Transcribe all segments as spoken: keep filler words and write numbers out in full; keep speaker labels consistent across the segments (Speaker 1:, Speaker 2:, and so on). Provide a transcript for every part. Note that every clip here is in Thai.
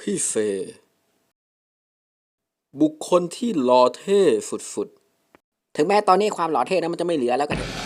Speaker 1: พี่เฟย์บุคคลที่หล่อเท่สุด
Speaker 2: ถึงแม้ตอนนี้ความหล่อเท่นั้นมันจะไม่เหลือแล้วก็เถอะ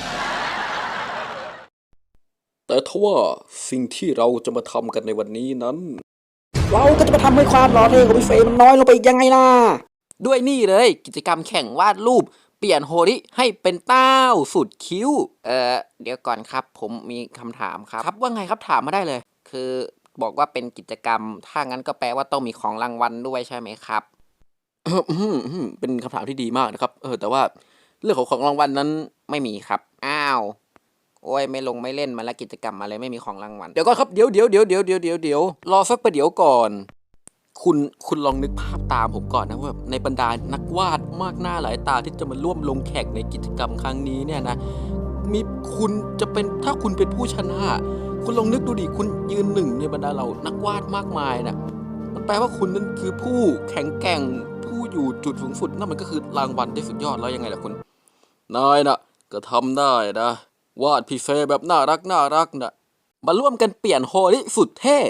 Speaker 1: ๆแต่ทว่าสิ่งที่เราจะมาทำกันในวันนี้นั้น
Speaker 2: เราก็จะมาทำให้ความหล่อเท่ของพี่เฟย์มันน้อยลงไปอีกยังไงล่ะ
Speaker 3: ด้วยนี่เลยกิจกรรมแข่งวาดรูปเปลี่ยนโฮริให้เป็นเต้าสุดคิ้ว เอ่อเดี๋ยวก่อนครับผมมีคำถามครับครับว่าไงครับถามมาได้เลย คือบอกว่าเป็นกิจกรรมถ้างั้นก็แปลว่าต้องมีของรางวัลด้วยใช่ไหมครับ เป็นคำถามที่ดีมากนะครับเออแต่ว่าเรื่องของของรางวัลนั้นไม่มีครับอ้าวโอ้ยไม่ลงไม่เล่นมาแล้วกิจกรรมอะไรไม่มีของรางวัลเดี๋ยวก่อนครับเดี๋ยวเดี๋ยวเดี๋ยวเดี๋ยวเดี๋ยวเดี๋ยวเดี๋ยวรอสักประเดี๋ยวก่อนคุณคุณลองนึกภาพตามผมก่อนนะว่าในบรรดานักวาดมากหน้าหลายตาที่จะมาร่วมลงแข่งในกิจกรรมครั้งนี้เนี่ยนะมีคุณจะเป็นถ้าคุณเป็นผู้ชนะคุณลองนึกดูดิคุณยืนหนึ่งในบรรดาเรานักวาดมากมายนะมันแปลว่าคุณนั่นคือผู้แข็งแกร่งผู้อยู่จุดสูงสุดนั่นมันก็คือรางวัลที่สุดยอดแล้วยังไงล่ะคุณนายนะก็ทำได้นะวาดพี่เฟย์แบบน่ารักน่ารักนะมาร่วมกันเปลี่ยนโฮลิสุดเท่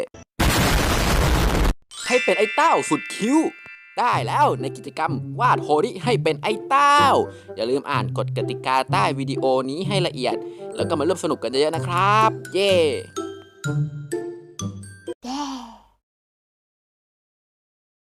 Speaker 3: ให้เป็นไอ้เต้าสุดคิ้วได้แล้วในกิจกรรมวาดโฮลิให้เป็นไอ้เต้าอย่าลืมอ่านกฎกติกาใต้วิดีโอนี้ให้ละเอียดแล้วก็มาร่วมสนุกกันเยอะๆนะครับเย้